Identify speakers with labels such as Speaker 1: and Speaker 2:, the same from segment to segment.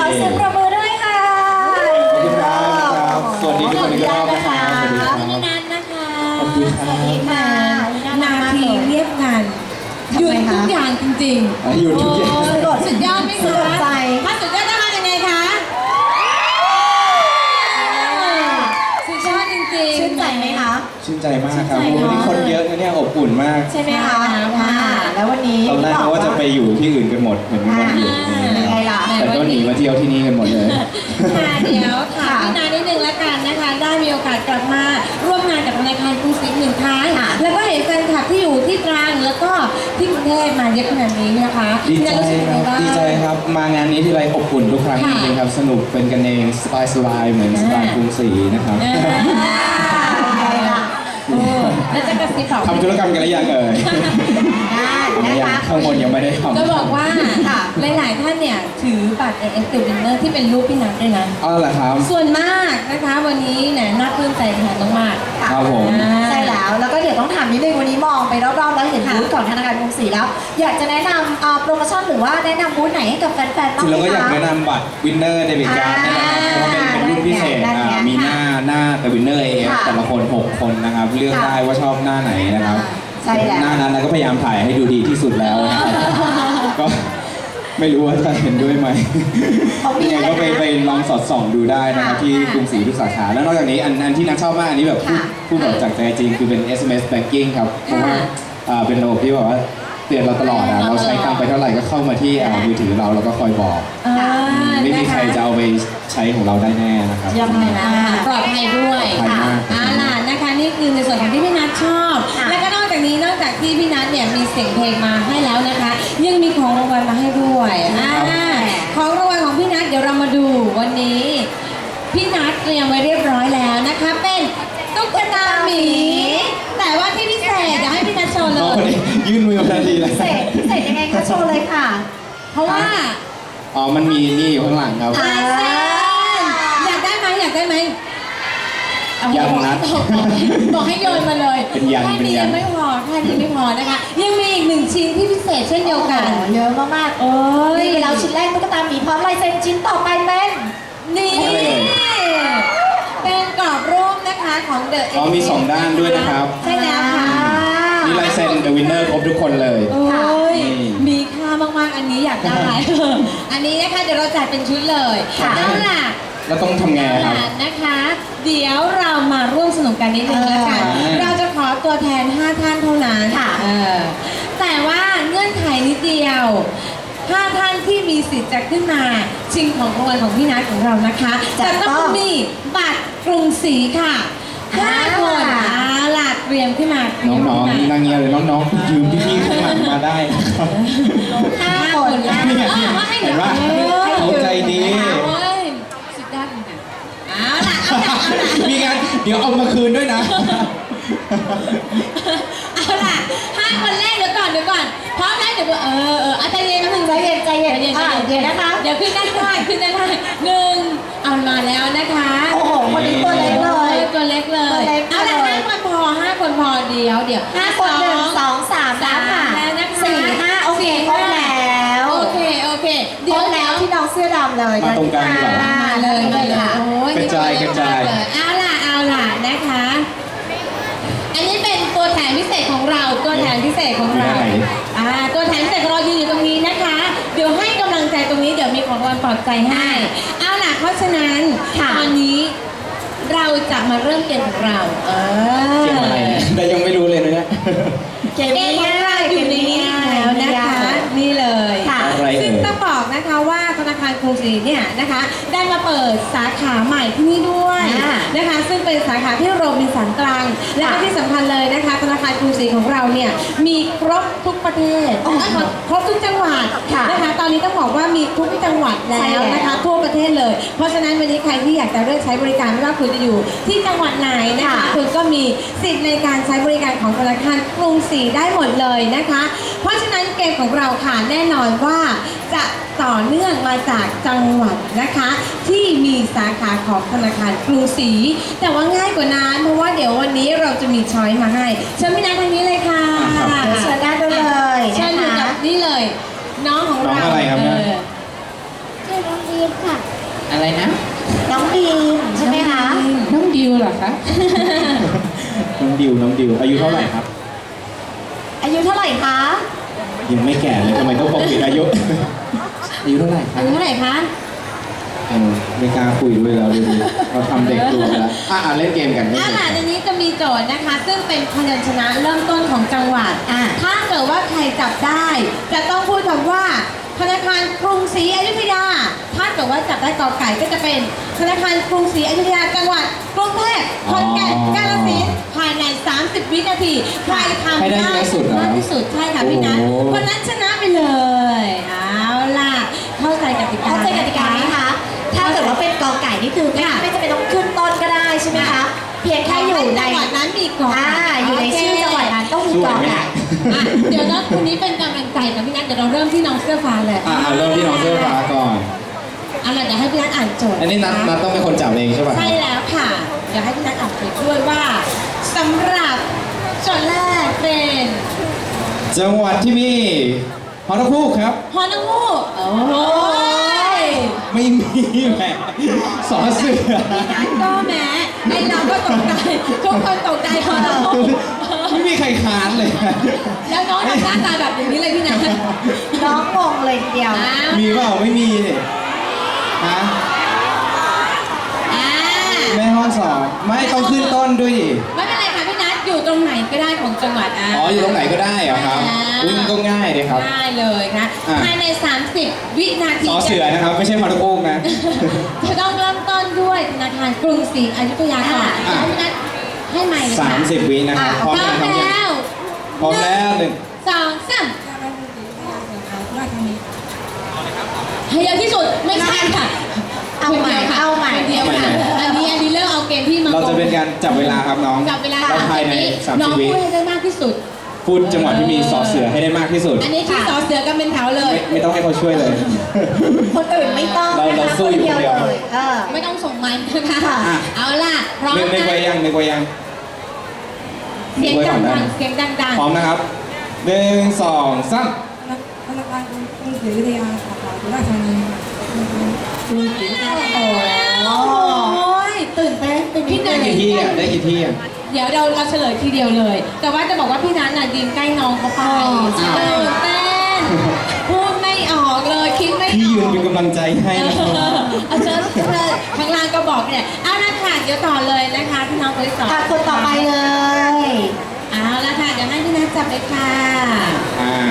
Speaker 1: อเสียงปรบมือด้วยค่ะ
Speaker 2: ขอบคุณครับสวัสดีทุกคนอีกรอบนะครับ
Speaker 1: สวัสดีครับ
Speaker 3: พี่นัทนะคะ
Speaker 2: ขอบคุณค
Speaker 1: ส
Speaker 2: รั
Speaker 1: วัสดี
Speaker 2: บ
Speaker 1: ค่ะ
Speaker 3: นาทีเรียบงานหยุดทุกอย่างจริงๆ
Speaker 2: หยุดทุกอย่าง
Speaker 3: โสุดยอดไหม
Speaker 1: สุ
Speaker 3: คะ
Speaker 1: ดใจ
Speaker 3: ถ้าสุดยอดต้องทำยังไงคะสุดยอดจริงๆ
Speaker 1: ชื่นใจไหมคะ
Speaker 2: ชื่นใจมากครับ
Speaker 1: ชื่นใจเนอะ
Speaker 2: วันนี้คนเยอะนะเนี่ยอบอุ่นมาก
Speaker 1: ใช่ไหมคะแล้ววันนี้
Speaker 2: ตอนแรกเขาว่าจะไปอยู่ที่อื่นกันหมดเหมือนกันอยู่
Speaker 1: ยังไงล่ะ
Speaker 2: แต่ก็หนีมาเที่ยวที่นี่กันหมดเลย
Speaker 3: ค่ะเดี๋ยวถามพี่นานิดนึงละกันนะคะ ได้มีโอกาสกลับมาร่วมงานกับธนาคารกรุงศรีหนึ่งครั้งแล้วก็เห็นแฟนคลับที่อยู่ที่ตรังแล้วก็ที่กรุงเทพมาเยอะขนาดนี้นะคะ
Speaker 2: ดีใจ
Speaker 3: พี่นารู้สึกยัง
Speaker 2: ค
Speaker 3: ไง
Speaker 2: รับ
Speaker 3: บ้าง
Speaker 2: ดีใจครับ มางานนี้ที่ไรอบอุ่นทุกครั้งจ
Speaker 3: ค่ะ
Speaker 2: ริงๆครับ สนุกเป็นกันเองสบายๆเหมือนสไตล์กรุงศรีนะครับ
Speaker 1: ยังไงล่ะ
Speaker 3: แล้วจะกระซิบบอก
Speaker 2: ทำธุรกรรมกันหรือยังเอ่ย
Speaker 1: ได้นะ
Speaker 2: ยัง
Speaker 1: คะ
Speaker 2: ข้างบนยังไม่ได้ทำ
Speaker 3: จะบอกว่าหลายๆท่านเนี่ยถือบัตร AF The Winner ที่เป็นรูปพี่นัทด้วยนะ
Speaker 2: อ๋อเหรอครับ
Speaker 3: ส่วนมากนะคะวันนี้เนี่ยน่าปลื้มใจแทนน้องมาก
Speaker 2: ครับผม
Speaker 1: ใช่แล้วก็เดี๋ยวต้องถามนิดนึงวันนี้มองไปรอบๆแล้วเห็นบูธของธนาคารกรุงศรีแล้ว อยากจะแนะนำโปรโมชั่นหรือว่าแนะนำบูธไหนให้กับแฟนๆบ้าง
Speaker 2: คือ
Speaker 1: ไหม
Speaker 2: เราก็อยาก
Speaker 1: คะ
Speaker 2: แนะนำบัตรวินเนอร์เดบิตการ์ดนะครับเพราะว่าเป็นรุ่นพิเศษ
Speaker 1: นั่นไง
Speaker 2: มีหน้าแต่วินเนอร์เอฟ
Speaker 1: ค่ะ
Speaker 2: แต่ละคน6 คนนะครับ เลือก
Speaker 1: ค่ะ
Speaker 2: ได้ว่าชอบหน้าไหนนะครับ
Speaker 1: ใช่แล้ว
Speaker 2: หน้านั้นเราก็พยายามถ่ายให้ดูดีที่สุดแล้วนะครับก็ไม่รู้ว่าจะเห็นด้วยไหม
Speaker 1: เขามี
Speaker 2: ยังไงก็ไป
Speaker 1: อะไรนะ
Speaker 2: ลองสอดส่องดูได้นะครับ
Speaker 1: ค่ะ
Speaker 2: ที่กรุงศรีทุกสาขา แล้วนอกจากนี้อันที่นักชอบมากอันนี้แบบพูด
Speaker 1: ค่ะ
Speaker 2: พูดแบบจากใจจริงคือเป็น SMS banking ครับเพราะว่าเป็นระบบที่แบบว่าเตือนเราตลอดอะเราใช้ตังค์ไปเท่าไหร่ก็เข้ามาที่มือถือเราแล้วก็คอยบอก ไม่มีใครจะเอาไปใช้ของเราได้แน่นะครับ
Speaker 1: ยังไงนะ
Speaker 3: ปลอดภัยด้วย
Speaker 2: ปลอดภัยมาก
Speaker 3: ล่ะนะคะนี่คือในส่วนของที่พี่นัทชอบ
Speaker 1: ค่ะ
Speaker 3: และก็นอกจากนี้นอกจากที่พี่นัทเนี่ยมีเสียงเพลงมาให้แล้วนะคะ ยังมีของรางวัลมาให้ด้วยของรางวัลของพี่นัทเดี๋ยวเรามาดูวันนี้พี่นัทเตรียมไว้เรียบร้อยแล้วนะคะ เป็นตุ๊กตาหมี แต่ว่าที่พิเศษเดี๋ยวให้พี่นัทโชว์เล
Speaker 2: น้องคน
Speaker 3: ย
Speaker 2: นี้ยื่นมือมาทันทีเลย
Speaker 1: เสร็จยังไงคะโชว์เลยค่ะ
Speaker 3: เพราะว่า
Speaker 2: อ๋อ มันมีนี่อยู่ข้างหลังครับ
Speaker 3: ลายเซ็นอยากได้ไหมอยากได้ไหม
Speaker 2: ยันนัด
Speaker 3: บอกให้โยนมาเลย
Speaker 2: เป็นยัน
Speaker 3: แค่
Speaker 2: เป็น
Speaker 3: นี้
Speaker 2: ยัน
Speaker 3: ยังไม่พอแค่นี้ไม่พอนะคะ ยังมีอีกหนึ่งชิ้นที่พิเศษเช่นเดียวกัน
Speaker 1: เยอะมากๆ
Speaker 3: โอ้ย
Speaker 1: นี่ไปแล้วชิ้นแรกตุ๊กตาหมีพร้อมลายเซ็นชิ้นต่อไปเป็น
Speaker 3: นี่
Speaker 2: อะไรเอ่ย
Speaker 3: เป็นกรอบรูปนะคะของ The
Speaker 2: อ๋อมีสองด้านด้วยนะครับ
Speaker 3: ใช่แล้วค่ะ
Speaker 2: มีลายเซ็น The Winner ครบทุกคนเลย
Speaker 3: โอ้ย
Speaker 2: นี่
Speaker 3: มีค่ามากๆ อันนี้อยากได้ อันนี้นะคะเดี๋ยวเราจัดเป็นชุดเลย
Speaker 2: ค่ะ
Speaker 3: เอาล่ะ
Speaker 2: แล้วต้องทำไงครับ
Speaker 3: นะคะ เดี๋ยวเรามาร่วมสนุกกันนิดนึงแล้วกัน เราจะขอตัวแทน 5 ท่านเท่านั้น
Speaker 1: ค่ะ
Speaker 3: แต่ว่าเงื่อนไขนิดเดียว 5 ท่านที่มีสิทธิ์จะขึ้นมาชิงของรางวัลของพี่นัทของเรานะคะ จะต้องมีบัตรกรุงศรีค่ะ5 คนหลัดเตรียมขึ้นมา
Speaker 2: น้องๆนั่งเงียบเลยน้องๆยืมพี่ๆข้างหลังมาได้นะครับ
Speaker 3: 5 คนนะ
Speaker 2: เนี่ย
Speaker 3: ว่าให้
Speaker 2: เห็นปะ เขาใจดี
Speaker 3: โอ้ยสุดยอดจริงๆเอาล่ะเอาล่ะ
Speaker 2: มีงานเดี๋ยวเอามาคืนด้วยนะ
Speaker 3: เอาล่ะ5 คนแรกเดี๋ยวก่อนพร้อมแล้วเดี๋ยวเอาใจเย็นนะมึง
Speaker 1: ใจเย็นเดี๋ยวนะคะ
Speaker 3: เดี๋ยวขึ้นด้านข้าง1เอามาแล้วนะคะ
Speaker 1: โอ้โหคนนี้ตัวเล็กเลย
Speaker 3: ตัวเล็กเลย
Speaker 1: ตัวเล็ก
Speaker 3: เอาล่ะ
Speaker 1: เลย
Speaker 3: 5 คนพอเดี๋ยว
Speaker 1: 5 คน1 2 3แล้วค่ะ
Speaker 3: แล้วนะคะ
Speaker 1: 4 5โอเคครบแล้ว
Speaker 3: โอเค
Speaker 1: คร
Speaker 3: เดี๋ยว
Speaker 1: บแล้วที่น้องเสื้อดำเลย
Speaker 2: มาตรงกลางดีกว่า
Speaker 3: มาเลยค่ะโอ้ย
Speaker 2: กระจาย
Speaker 3: นี่ตัวเล็มากเลยเอาล่ะนะคะ อันนี้เป็นตัวแทนพิเศษของเรา ตัวแทนพิเศษของเรา
Speaker 2: อยู่ไหน
Speaker 3: ตัวแทนพิเศษของเรายืนอยู่ตรงนี้นะคะ เดี๋ยวให้กำลังใจตรงนี้เดี๋ยวมีของรางวัลปลอบใจให้ เอาล่ะเพราะฉะนั้นตอนนี้เราจะมาเริ่มเกมของเรา
Speaker 2: เกี่ยวอะไรเนี่ยแต่ยังไม่รู้เลยนะเนี่ย
Speaker 1: เกม
Speaker 3: เกมของ
Speaker 1: ง่า
Speaker 3: เรา
Speaker 1: ย
Speaker 3: อยู่ในนี้แล้วนะคะ นี่เลย
Speaker 1: ค่ะ
Speaker 2: อะไรเอ่ย
Speaker 3: ซึ่งต้องบอกนะคะว่าธนาคารกรุงศรีเนี่ยนะคะได้มาเปิดสาขาใหม่ที่นี่ด้วยนะคะ ซึ่งเป็นสาขาที่โรบินสันตรัง และก็ที่สำคัญเลยนะคะธนาคารกรุงศรีของเราเนี่ยมีครบทุกประเทศครบทุกจังหวัดนะคะตอนนี้ต้องบอกว่ามีทุกจังหวัดแล้วนะคะทั่วประเทศเลย เพราะฉะนั้นวันนี้ใครที่อยากจะเลือกใช้บริการไม่ว่าคุณจะอยู่ที่จังหวัดไหนนะคะคุณก็มีสิทธิ์ในการใช้บริการของธนาคารกรุงศรีได้หมดเลยนะคะ เพราะฉะนั้นเกมของเราค่ะแน่นอนว่าจะต่อเนื่องมาจากจังหวัดนะคะ ที่มีสาขาของธนาคารกรุงศรีแต่ว่าง่ายกว่านั้นเพราะว่าเดี๋ยววันนี้เราจะมีช้อยมาให้เชิญพี่นัททางนี้เลยค่ะ
Speaker 1: เชิญด้านด้วยเลย
Speaker 3: เชิญอยู่กับนี่เลย น้องของเรา
Speaker 2: น้องอะไรครับเนี่ย
Speaker 1: ชื่อน้องเดีย
Speaker 4: ฟค่ะ
Speaker 5: อะไรนะ
Speaker 1: น้องดีมใช่ไหมคะ
Speaker 5: น้องดิวเหรอคะ
Speaker 2: น้องดิวอายุเท่าไหร่ครับ
Speaker 1: อายุเท่าไหร่คะ
Speaker 2: ยังไม่แก่เลยทำไมต้องปกปิดอายุ อายุเท่าไหร่ครั
Speaker 3: อา
Speaker 2: บ
Speaker 3: ยุเท่าไหร่คะ
Speaker 2: ไม่กล้าคุยด้วยแล้วดูเราทำเด็กตัวไปแล้วเล่นเกมกันเล่น
Speaker 3: อา
Speaker 2: เกม
Speaker 3: หาร
Speaker 2: กัน
Speaker 3: ในนี้จะมีโจทย์นะคะ ซึ่งเป็นพยัญชนะเริ่มต้นของจังหวัด ถ้าเกิดว่าใครจับได้ จะต้องพูดคำว่าธนาคารกรุงศรีอยุธยา ถ้าเกิดว่าจับได้กอไก่ก็จะเป็นธนาคารกรุงศรีอยุธยาจังหวัดกรุงเทพขอนแก่นกาฬสินธุ์ภายใน 30 วินาทีใครทำ
Speaker 2: ให้ได้
Speaker 3: ได้
Speaker 2: เยอะสุดเหรอ
Speaker 3: มากที่สุดใช่ค่ะพี่นัท
Speaker 2: โอ้โห
Speaker 3: คนนั้นชนะไปเลย เอาล่ะเข้าใจกติกา
Speaker 1: เข้าใจกติกาไหมคะ ถ้าเกิดว่าเป็นกอไก่นี่คือไม่จำเป็นต้องขึ้นต้นก็ได้ใช่ไหมคะ เพียงแค่อยู่ใน
Speaker 3: จังหวัดนั้นมีกอไก่
Speaker 1: อยู่ในชื่อจังหวัดนั้นต้องมีกอไก่
Speaker 3: อ่ะเดี๋ยวนะคนนี้เป็นกำลังใจกับพี่นัทเดี๋ยวเราเริ่มที่น้องเสื้อฟ้าเลย
Speaker 2: เริ่มที่น้องเสื้อฟ้าก่อน
Speaker 3: เอาล่ะเดี๋ยวให้พี่นัทอ่านโจทย์
Speaker 2: อันนี้นัดต้องเป็นคนจับเองใช่ป่ะ
Speaker 3: ใช่แล้วค่ะ เดี๋ยวให้พี่นัทอ่านโจทย์ด้วยว่าสำหรับโจทย์แรกเป็น
Speaker 2: จังหวัดที่มีฮอนคูกครับ
Speaker 3: ฮอนูโอ้โห
Speaker 2: ไม่มีแหมสอเสือ
Speaker 3: พี่นัทก็แม้ไอเราก็ตกใจทุกคนตกใจฮอนู
Speaker 2: ไม่มีใครค้านเลย
Speaker 3: แล้วน้องทำหน้าตาแบบอย่างนี้เลยพี่นัท
Speaker 1: น้องงงเลยทีเดียว
Speaker 3: อ้าว
Speaker 2: มีเปล่าไม่มีเนี่ยฮะ
Speaker 3: อ่า
Speaker 2: แม่ห้องสองไม่ต้องขึ้นต้นด้วยดิ
Speaker 3: ไม่เป็นไรค่ะพี่นัทอยู่ตรงไหนก็ได้ของจังหวัดอ่ะ
Speaker 2: อ๋ออยู่ตรงไหนก็ได้เหรอครับอุ้ยมันก็ง่ายเลยครับ
Speaker 3: ง่ายเลยนะ
Speaker 2: อ่ะ
Speaker 3: ภายใน 30 วินาที
Speaker 2: สอเสือนะครับ ไม่ใช่ฮอนคูกนะ
Speaker 3: จะต้องเริ่มต้นด้วยธนาคารกรุงศรีอยุธยาก่อน
Speaker 2: อ่ะ
Speaker 3: ให้พี่นัทให้ใหม่เลยค่ะ
Speaker 2: 30 วินะครับ
Speaker 3: พร้อม
Speaker 2: ยัง
Speaker 3: แล้ว
Speaker 2: พร้อมแล้วหนึ่ง
Speaker 3: สองสามให้เยอะที่สุดไม่ใช่ค่ะ
Speaker 1: เอาใหม่
Speaker 3: คนดียวค่ะ
Speaker 1: เอาใหม่
Speaker 3: คนเดียวค่ะอันนี้เริ่มเอาเกมที่มา
Speaker 2: เราจะเป็นการจับเวลาครับน้อง
Speaker 3: จับเวลา
Speaker 2: เราภายใน
Speaker 3: น้อง
Speaker 2: 30 วิ
Speaker 3: พูดให้ได้มากที่สุด
Speaker 2: พูดจังหวัดที่มีสอเสือให้ได้มากที่สุด
Speaker 3: อันนี้คือสอเสือกันเป็นแถวเลย
Speaker 2: ไม่ต้องให้เขาช่วยเลย
Speaker 1: คนอื่นไม่ต้อง
Speaker 2: เราสู้อยู่คนเดียว
Speaker 1: เลยเออ
Speaker 3: ไม่ต้องส่งไมค์นะคะ
Speaker 1: ค่ะ
Speaker 3: เอาล่ะพร้อม
Speaker 2: นึกไว้
Speaker 3: นะ
Speaker 2: ยังนึกไว้ยัง
Speaker 3: เสียง
Speaker 2: นึกไว้ก่อนได้
Speaker 3: ดัง
Speaker 2: ไหม
Speaker 3: ๆเสียงดัง
Speaker 2: พร้อมนะครับ1 2 3
Speaker 6: ธนาคารกรุงศรีอยุธยาสาขาสุราษฎร์ธานีกรุงศรี
Speaker 3: ๆโอ้ยตื่นเต้นเป็นพี่นั
Speaker 2: ได้
Speaker 3: น
Speaker 2: กี่ที่อ่ะได้กี่ที่อ่ะ
Speaker 3: เดี๋ยวเราเฉลยทีเดียวเลย แต่ว่าจะบอกว่าพี่นันน่ะยืนใกล้น้องเขาไป
Speaker 2: อ้าว
Speaker 3: ตื่นเต้นพูดไม่ออกเลยคิดไม่อ
Speaker 2: พี่ยืน
Speaker 3: อก
Speaker 2: เป็นกำลังใจให้นะครับ
Speaker 3: เอาเชิญข้างล่างก็บอกเนี่ยเอาละค่ะเดี๋ยวต่อเลยนะคะพี่น้องคนที่สอง
Speaker 1: คนต่อไปเลย
Speaker 3: เอาละค่ะเดี๋ยวให้พี่นัทจับเลยค่ะ
Speaker 2: อ่า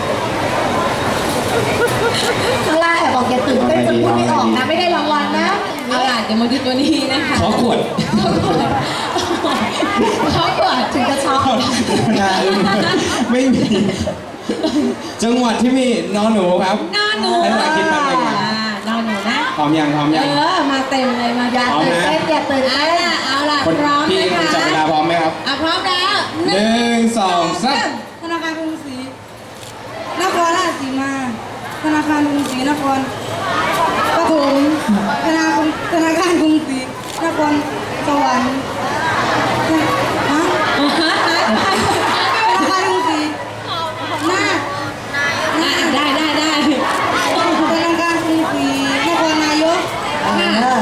Speaker 1: ข้างล่างแอบบอกอย่าตื่นเต้นจนพูดไม่ออกนะ ไม่ได้รางวัลนะ
Speaker 3: เอาล่ะเดี๋ยวมาดูตัวนี้นะคะ
Speaker 2: ขอขวด
Speaker 3: เขากด
Speaker 1: ถึงจะช็อก
Speaker 2: นาอึ้งไม่มี จังหวัดที่มีนอนหนูครับ
Speaker 3: นอนหนู
Speaker 2: ให้เวลาคิดแป๊บนึง
Speaker 3: นอนหนูนะ
Speaker 2: พร้อมยังพร้อมยัง
Speaker 3: มาเต็มเลยมา
Speaker 1: อย่า
Speaker 2: พร้อม
Speaker 1: ตื่น
Speaker 2: นะ
Speaker 1: เต้นอย่าตื่น
Speaker 3: เอา
Speaker 1: เต้น
Speaker 3: ล่ะเอาล่ะ
Speaker 2: คน
Speaker 3: พร้อม
Speaker 2: พี่
Speaker 3: นะคะ
Speaker 2: จับเวลาพร้อมไหมครับ
Speaker 3: พร้อมแล้ว
Speaker 2: 1 2 3
Speaker 6: ธนาคารกรุงศรีนครราชสีมา ธนาคารกรุงศรีนครปฐมธนาคารกรุงศรีนครสวรรค์ฮะธนาคารกรุงศรีนาค
Speaker 3: ได้ได้ได้
Speaker 6: ธนาคารกรุงศรีนครนายก
Speaker 1: เออ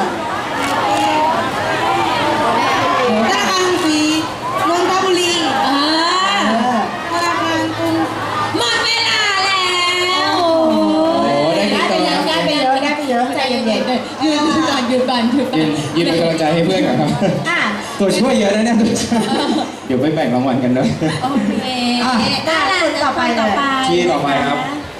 Speaker 6: ธนาคารกรุงศรีนนทบุรี
Speaker 3: เออ
Speaker 6: ธนาคารกรุง
Speaker 3: หมดเวลาแล้ว
Speaker 2: โอ้ได้กี่ตัว
Speaker 3: ได้ไปเยอะได้ไปเยอะใจเย็นๆยืนก่อนยืนก่อนยืนก่อน
Speaker 2: ยืนเป็นกำลังใจให้เพื่อนก่อนครับ
Speaker 1: อ่ะ
Speaker 2: ตัวช่วยเยอะนะเนี่ยตัวช่วยเดี๋ยวไปแบ่งรางวัลกันด้วย
Speaker 3: โอเคได้คนต่อไป
Speaker 2: ที่ต่อไปครับ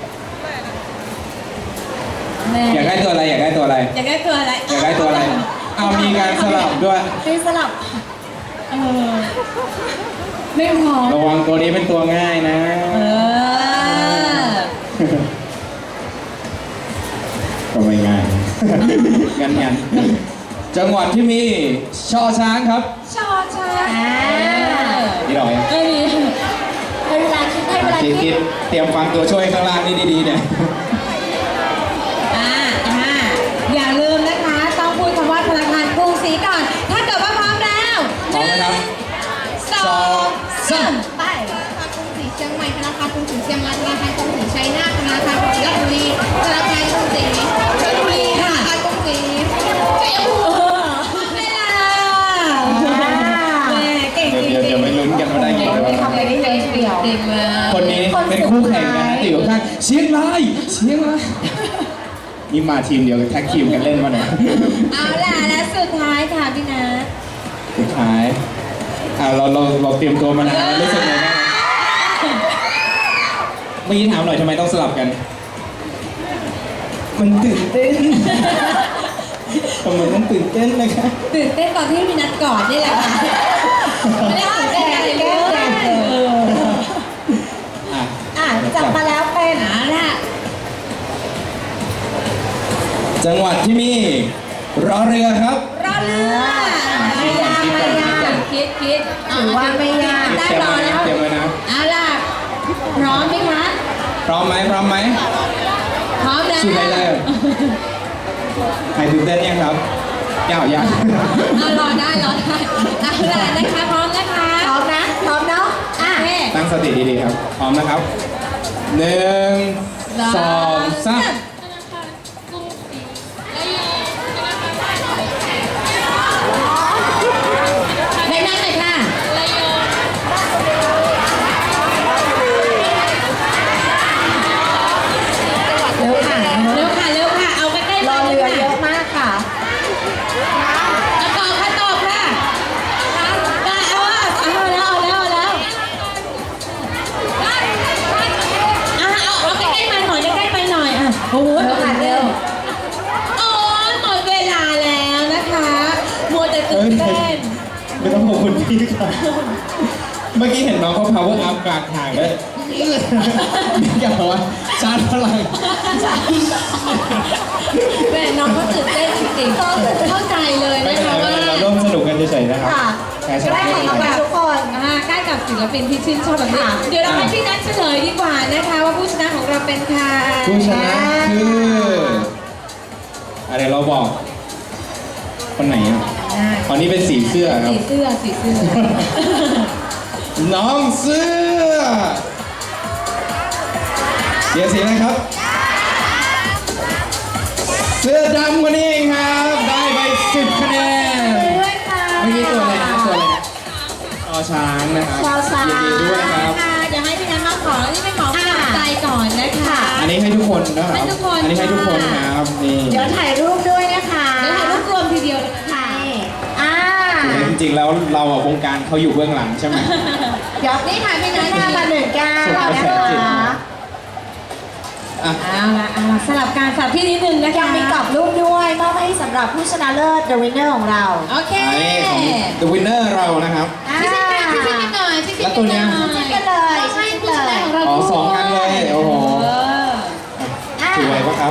Speaker 2: อยากได้ตัวอะไรอยากได้ตัวอะไร
Speaker 3: อยากได้ตัวอะไร
Speaker 2: อยากได้ตัวอะไรเอามีการสลับด้วย
Speaker 1: มีสลับ
Speaker 3: เออไม่พร้อม
Speaker 2: ระวังตัวนี้เป็นตัวง่ายนะ
Speaker 3: เออ
Speaker 2: ก็ไม่ง่าย งั้นจังหวัดที่มีช่อช้างครับ
Speaker 3: ชอช้า
Speaker 2: นี่เราเอง
Speaker 3: เอ้ย
Speaker 1: ให้เวลาคิดให้เวลา
Speaker 2: คิด
Speaker 1: คิด
Speaker 2: เตรียมฟังตัวช่วยข้างล่างนี่ดีๆเนี่ย
Speaker 3: อย่าลืมนะคะต้องพูดคำว่าธนาคารกรุงศรีก่อน ถ้าเกิดว่าพร้อมแล้ว
Speaker 2: พร้อมไหมครับ
Speaker 3: สองสาม
Speaker 1: ไป
Speaker 4: ธนาคารกรุงศรีเชียงใหม่ธนาคารกรุงศรีเชียงรายธนาคารกรุงศรีชัยนาทธนาคารกรุงศรีราชบุรีธนาคารกรุงศรีชลบุรีค่ะ
Speaker 2: นี่มาทีมเดียวกันแท็กทีมกันเล่นมาเนี่ย
Speaker 3: เอาล่ะและสุดท้ายค่ะพี่นัท
Speaker 2: สุดท้ายเราเตรียมตัวมานานแล้วรู้สึกไงบ้างเมื่อกี้ถามหน่อยทำไมต้องสลับกัน มันตื่นเต้นทำไมต้องตื่นเต้นนะคะ
Speaker 3: ตื่นเต้นตอนที่พี่นัทกอดนี่แหละค่ะไม่ได้ตื่นเต้นอะไรเลย
Speaker 1: อ่ะจับมาแล้วเป็น
Speaker 3: เอาล่ะ
Speaker 2: จังหวัดที่มีรอเรือครับ
Speaker 3: รอเรือไม่ยากไม่ยากคิดถือว่าไม่ยากได้รอแล้ว
Speaker 2: เตรียมไว้นะ
Speaker 3: เอาล่ะพร้อมไหมคะ
Speaker 2: พร้อมไหมพร้อมไหม
Speaker 3: พร้อมแล้ว
Speaker 2: สู้ได้เลยใครตื่นเต้นยังครับยาว
Speaker 3: เอารอได้เอาล่ะนะคะพร้อมนะคะ
Speaker 1: พร้อมนะพร้อมเนาะอ่ะ
Speaker 3: โอเค
Speaker 2: ตั้งสติดีๆครับ พร้อมนะครับ 1 2 3
Speaker 3: ได้นั่งเลยค่ะ
Speaker 1: เร็วค่ะ
Speaker 3: เร็วค่ะเร็วค่ะเอาใกล้ๆ
Speaker 1: รอเรือเยอะ
Speaker 3: ค่ะ
Speaker 1: มากค่ะ
Speaker 3: ตอบค่ะตอบค่ะได้เอาแล้วเอาใกล้ๆมาหน่อยใกล้ๆไปหน่อยอ่ะโอ้โห
Speaker 1: เร็วค่ะเร็ว
Speaker 3: โอ้ยหมดเวลาแล้วนะคะมัวแต่ตื่นเต้น
Speaker 2: ไม่ต้องขอบคุณพี่ครับเมื่อกี้เห็นน้องเขา power up กลางทางเลยนี่แกบอกว่าชาร์จพลัง
Speaker 3: แม่น้องเขาตื่นเต้นจริงๆเข้าใจเลย
Speaker 2: ไม่
Speaker 3: นะ
Speaker 2: เป็น
Speaker 3: คะ
Speaker 2: ไร
Speaker 3: ว่า
Speaker 2: เราร่วมสนุกกันเฉยๆนะครับ
Speaker 1: ค่ะ
Speaker 2: ใช่ใช่
Speaker 1: ได้ของรางวัลทุกคน
Speaker 3: ใกล้กับศิลปินที่ชื่นชอบแบบนี้เดี๋ยวเราให้พี่นัทเฉลยดีกว่านะคะว่าผู้ชนะของเราเป็นใคร
Speaker 2: ผู้ชนะคืออะไรเราบอก คนไหนอ่ะคนนี้เป็นสีเสื้อครับ
Speaker 3: สีเสื้อ
Speaker 2: น้องเสื้อเดี๋ยวสีอะไรครับ เสื้อดำคนนี้เองครับ ได้ไป10 คะแนน
Speaker 1: ด้วยค่ะ
Speaker 2: เมื่อกี้ตัวอะไรนะตัวอะไรนะชอช้างนะครับ
Speaker 1: ชอช้าง
Speaker 2: ยินดีด้วยครับ
Speaker 3: ค่ะเดี๋ยวให้พี่นัทมาขอนี่เป็นของกำลังใจก่อนนะคะ
Speaker 2: อันนี้ให้ทุกคนนะครับ
Speaker 3: ให้ทุกคน
Speaker 2: อันนี้ให้ทุกคนครับนี่
Speaker 1: เดี๋ยวถ่ายรูปด้วยนะคะ
Speaker 3: เดี๋ยวถ่ายรูปรวมทีเดียวเลยนะคะ
Speaker 1: อ่า
Speaker 2: จริงๆแล้วเราอะวงการเขาอยู่เบื้องหลังใช่ไหม
Speaker 1: เดี๋ยว
Speaker 3: นี่ค่ะพี่นัท
Speaker 1: หน้ามา1 9นะคะ
Speaker 2: อ่ะ
Speaker 3: เอาละสลับการสลับที่นิดนึงนะคะ
Speaker 1: ยังมีกรอบรูปด้วยมอบให้สำหรับผู้ชนะเลิศ The Winner ของเรา
Speaker 3: โอเค
Speaker 2: อันนี้ของ The Winner เรานะครับ
Speaker 3: ชิคๆกันหน่อยชิคๆ
Speaker 2: แล้วตัวเนี้ย
Speaker 1: ชิคกันเลย
Speaker 3: ให้
Speaker 1: ชิค
Speaker 3: ผู้ช
Speaker 1: เล
Speaker 3: นะ
Speaker 1: ย
Speaker 3: ของเรา
Speaker 2: อ๋อ
Speaker 3: ด้วย
Speaker 2: สองอันเลยโอ้โห
Speaker 1: อ่า
Speaker 2: ถือไว้ปะครับ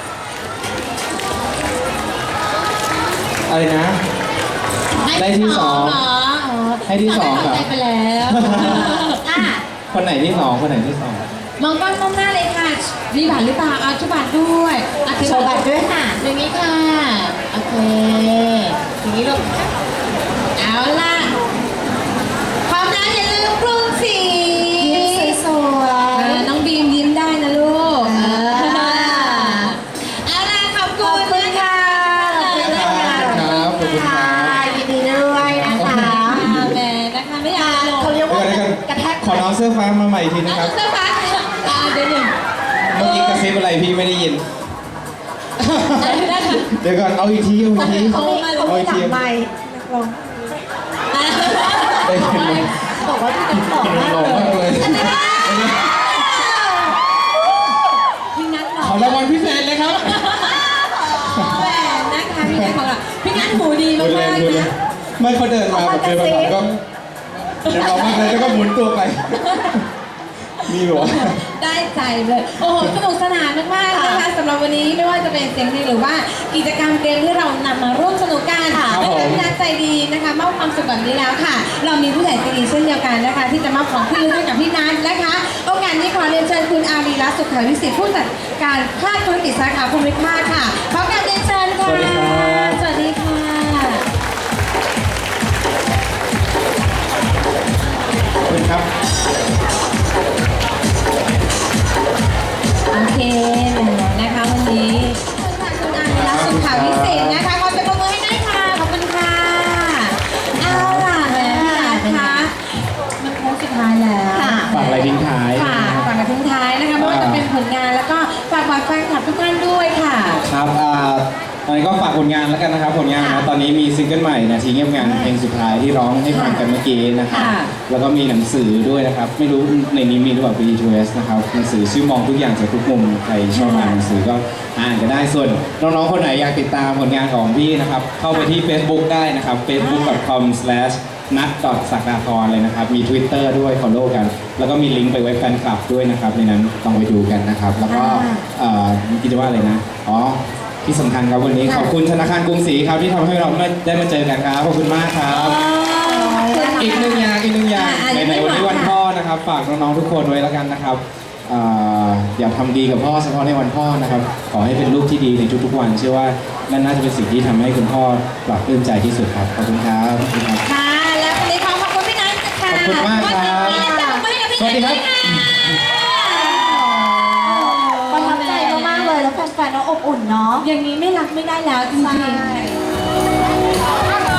Speaker 2: อะไรนะ ได้ที่สอง
Speaker 3: เหรอ
Speaker 2: ให้ที่สองเหรอ
Speaker 3: ได้ไปแล้ว
Speaker 1: อ่ะ
Speaker 2: คนไหนที่สองคนไหนที่สอง
Speaker 3: มองกล้องมองหน้าเลยค่ะ มีบัตรหรือเปล่าเอาชุดบัตรด้วยอ่ะ
Speaker 1: โชว์บัตรด้วยค่ะ
Speaker 3: อย่างนี้ค่ะ โอเค อย่างนี้ลูกเอาล่ะพร้อมแล้วอย่าลืมกรุงศรี
Speaker 1: ยิ้มสวยๆ
Speaker 3: น้องบีมยิ้มได้นะลูก
Speaker 1: อ่า
Speaker 3: เอาล่ะขอบ
Speaker 1: ข
Speaker 3: คุ
Speaker 1: อบ
Speaker 3: ณ
Speaker 1: คุณค่ะ
Speaker 2: ครับขอบคุณครับ
Speaker 1: ยินดีด้วยนะคะ
Speaker 3: แหมนะคะไม่อยากลง
Speaker 1: เขาเรียก
Speaker 2: เดี๋ยว
Speaker 1: ว่า
Speaker 2: ก่อน
Speaker 1: กระแทก
Speaker 2: ขอน้องเสื้อฟ้ามาใหม่อีกทีนะครับ
Speaker 3: เสื้อฟ้าเดี๋ยวหนึ่ง
Speaker 2: เมื่อกี้กระซิบอะไรพี่ไม่ได้ยิน
Speaker 3: ได้ค่ะ
Speaker 2: เดี๋ยวก่อนเอาอีกทีเอาอีกที
Speaker 1: เขามีหลังไมค์นักร้อง
Speaker 2: ได้ยินไหม
Speaker 1: บอกว่าพี่ติ๊กบอกมาก
Speaker 2: หล่อ
Speaker 1: เล
Speaker 2: มาก
Speaker 1: ย
Speaker 2: เลย
Speaker 3: พี่นัทหรอ
Speaker 2: ขอรางวัลพิเศษเลยครับ
Speaker 3: แหวนนะคะพี่นัทของเราพี่นัทหูดี
Speaker 2: พู
Speaker 3: มา
Speaker 2: ดเล่น
Speaker 3: ก
Speaker 2: พูด
Speaker 3: ๆ
Speaker 2: เล่
Speaker 3: นะ
Speaker 2: นไม่เขาเดินมาแบบเดินมาแบบก็เดินมามากเลยแล้วก็หมุนตัวไป มีหัว
Speaker 3: ได้ใจเลย โอ้โหสนุกสนานมากๆนะคะสำหรับวันนี้ไม่ว่าจะเป็นเสียงเพลงหรือว่ากิจกรรมเกมที่เรานำมาร่วมสนุกกัน
Speaker 2: ครับ
Speaker 3: และ
Speaker 2: ผม
Speaker 3: พี่นัทใจดีนะคะมอบความสุขแบบนี้แล้วค่ะ เรามีผู้ใหญ่ใจดีเช่นเดียวกันนะคะ ที่จะมอบของที่ระลึกให้กับพี่นัทนะคะโอกาสนี้ขอเรียนเชิญคุณอารีรัตน์สุขวิสิทธิ์ผู้จัดการภาคธุรกิจสาขาภูมิภาคค่ะขอการเรียนเชิญค่ะ
Speaker 2: สวัสดีครับ
Speaker 3: สวัสดีค่ะ
Speaker 2: ขอบคุณครับ
Speaker 3: โอเคนะคะวันนี้คุณอารีรัตน์สุขวิสิทธิ์นะคะขอจะประมือให้ได้ค่ะขอบคุณค่ะเอาล่ะแม่พี่นัทคะมันโค้งสุดท้ายแล้ว
Speaker 1: ค่ะ
Speaker 2: ฝากอะไรทิ้งท้าย
Speaker 3: ค่ะฝากกับทิ้งท้ายนะคะไม่ว่าจะเป็นผลงานแล้วก็ฝากบอกแฟนคลับทุกท่านด้วยค่ะ
Speaker 2: ครับครับตอนนี้ก็ฝากผลงานแล้วกันนะครับผลงานนะตอนนี้มีซิงเกิลใหม่นาทีเงียบงันเพลงสุดท้ายที่ร้องให้ฟังกันเมื่อกี้นะครับแล้วก็มีหนังสือด้วยนะครับไม่รู้ในนี้มีหรือเปล่า B2S นะครับหนังสือชื่อมองทุกอย่างจากทุกมุมใครชอบอ่านหนังสือก็อ่านกันได้ส่วนน้องๆคนไหนอยากติดตามผลงานของพี่นะครับเข้าไปที่ Facebook ได้นะครับ facebook.com/ นัดสักดาธรเลยนะครับมี Twitter ด้วย follow กัน แล้วก็มีลิงก์ไปเว็บแฟนคลับด้วยนะครับในนั้นต้องไปดูกันนะครับแล้วก็คิดว่าอะไรนะที่สำคัญครับวันนี้ขอบคุณธนาคารกรุงศรีครับที่ทำให้เราได้มาเจอกันครับขอบคุณมากครับอีกหนึ่งอย่างในวันนี้วันพ่อนะครับฝากน้องๆทุกคนไว้แล้วกันนะครับอย่าทำดีกับพ่อเฉพาะในวันพ่อนะครับขอให้เป็นลูกที่ดีในทุกๆวันเชื่อว่านั่นน่าจะเป็นสิ่งที่ทำให้คุณพ่อปลอบปลื้มใจที่สุดครับขอบคุณครับ
Speaker 3: ค่ะแล้ววันนี้ขอบคุณพี่นัทค่ะ
Speaker 2: ขอบคุณมากครับสวัสดีครับ
Speaker 1: ประทับใจมากๆเลยแล้วแฟนๆเราอบอุ่นเนาะ
Speaker 3: อย่างนี้ไม่รักไม่ได้แล้วจริงๆ